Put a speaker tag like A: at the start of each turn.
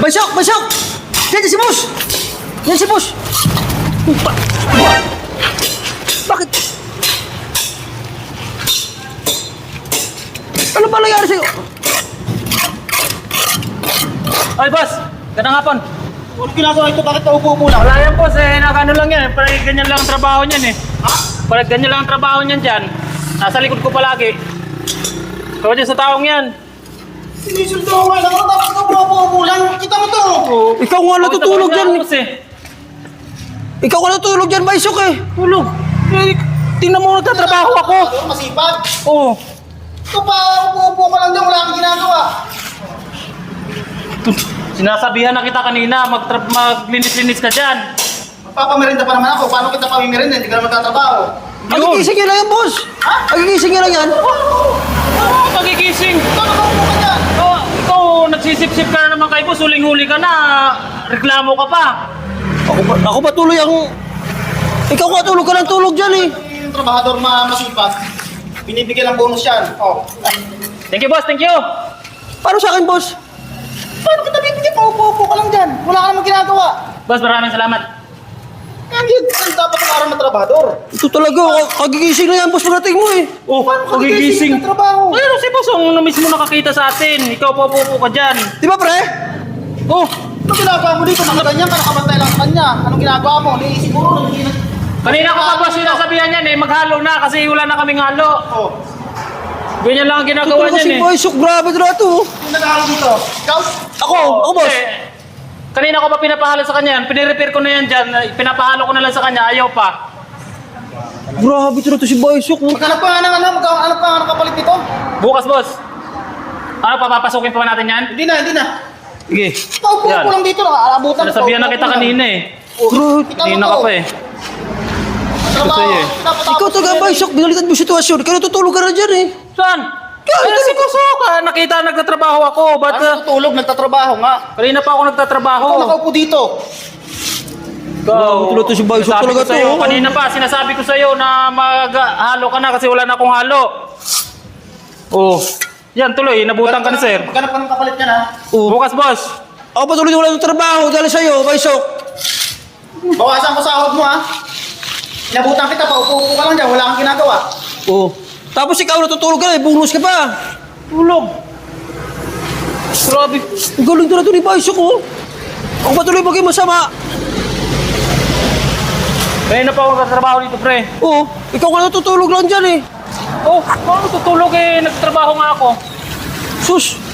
A: Basok! Basok! Yan si boss! Yan si boss! Bakit? Ano ba nangyari sa'yo?
B: Ay, boss! Gandang hapon.
C: Ano ginagawa ito? Bakit naupo-upo lang?
B: Wala yan, boss. Nakano lang yan. Parang ganyan lang ang trabaho niyan eh.
C: Ha?
B: Parang ganyan lang ang trabaho niyan dyan. Nasa likod ko palagi. Kaya dyan sa taong yan.
C: Sinisuldo ko nga lang. Dapat ka umupo-upo lang. Kita mo to.
A: Ikaw nga natutulog dyan.
B: Boss eh.
A: Ikaw nga natutulog dyan, Baisok eh.
B: Tulog. Eh, tingnan mo, nagtatrabaho ako.
C: Masipag.
B: Oo.
C: Ito pa, upo-upo ka lang dyan. Wala kang ginagawa.
B: Sinasabihan na kita kanina, maglinis-linis ka dyan.
C: Magpapamerinda pa naman ako. Paano kita pamimerinda? Hindi ka naman tatrabaho.
A: Magigising nyo lang yan, boss.
C: Ha?
A: Magigising nyo lang yan.
B: Magigising.
C: Ikaw nakaupo ka dyan.
B: Ikaw, nagsisip-sip ka na naman kay boss, huling-huli ka na. Reklamo ka pa.
A: Ako ba tuloy ang... Ikaw nga tulog ka ng tulog dyan eh.
C: Yung trabahador masipag. Binibigyan ng bonus yan. Oh.
B: Thank you, boss. Thank you.
A: Paano sa akin, boss?
C: Paano kita bibigyan? Paupo-upo ka lang dyan. Wala ka namang ginagawa.
B: Boss, maraming salamat.
C: Hindi, dapat ang araw na trabahador.
A: Ito talaga, kagigising na yan, boss, pagdating mo eh.
B: Oh,
C: Kagigising ng trabaho.
B: Ayun, si boss, ang mismo nakakita sa atin. Ikaw pa ka dyan.
A: Di ba, pre?
B: Oh,
C: Ano ginagawa mo dito? Nakaganyan ka, nakabantay lang sa kanya. Anong ginagawa mo? Hindi, siguro
B: kanina ko pa boss sinasabihan yan eh, maghalo na kasi wala na kaming halo.
C: Oh.
B: Ganyan lang ang
A: Ito
B: ginagawa
A: talaga
B: niyan
A: si
B: eh.
A: Baisok, grabe na ito.
C: Sino nag-aaral dito? Ikaw?
A: Ako, boss.
B: Kanina ko pa pinapahalo sa kanya yan, pinirepair ko na yan dyan, pinapahalo ko na lang sa kanya, ayaw pa.
A: Grabe ito na ito si Baisok.
C: Maghanap pa nga ng ano? Maghanap pa nga ng kapalit dito?
B: Bukas boss. Ano, papapasukin pa ba natin yan?
C: Hindi na, hindi na.
B: Sige.
C: Paupo-upo lang dito. Abutan.
B: Sinasabihan na kita kanina eh.
A: Grabe.
B: Kanina ka pa eh.
C: Trabaho.
B: sa'yo eh.
A: Ikaw talaga, Baisok, binalitan mo yung sitwasyon. Ikaw natutulog ka na dyan eh.
B: Saan? Ay, si boss nakita nagtatrabaho ako. Ba't
C: Ano tutulog? Nagtatrabaho nga.
B: kanina pa ako nagtatrabaho.
C: Ako nakaupo dito.
A: Grabe ito si Baisok
B: Sabi
A: talaga
B: ko sa'yo,
A: to.
B: kanina pa, sinasabi ko sa'yo na maghalo ka na kasi wala na akong halo. Oh, yan tuloy, nabutan ka na sir.
C: Maghanap pa ng kapalit yan ha.
B: Bukas boss.
A: Ako pa tuloy wala ng trabaho dahil sa'yo, Baisok.
C: Bawasan ko sahod mo ha. Inabutan kita, paupo-upo ka lang dyan. Wala kang ginagawa.
A: Oo. Tapos ikaw natutulog ka na, bonus ka pa.
B: Tulog. Grabe.
A: Ang galing talaga ito ni Baisok, oh. Ako pa tuloy maging masama.
B: Kaya na pa ako nagtatrabaho dito, pre.
A: Oo. Ikaw ka natutulog lang dyan eh.
B: Oh, paano tutulog eh? Nagtrabaho nga ako.
A: Sus.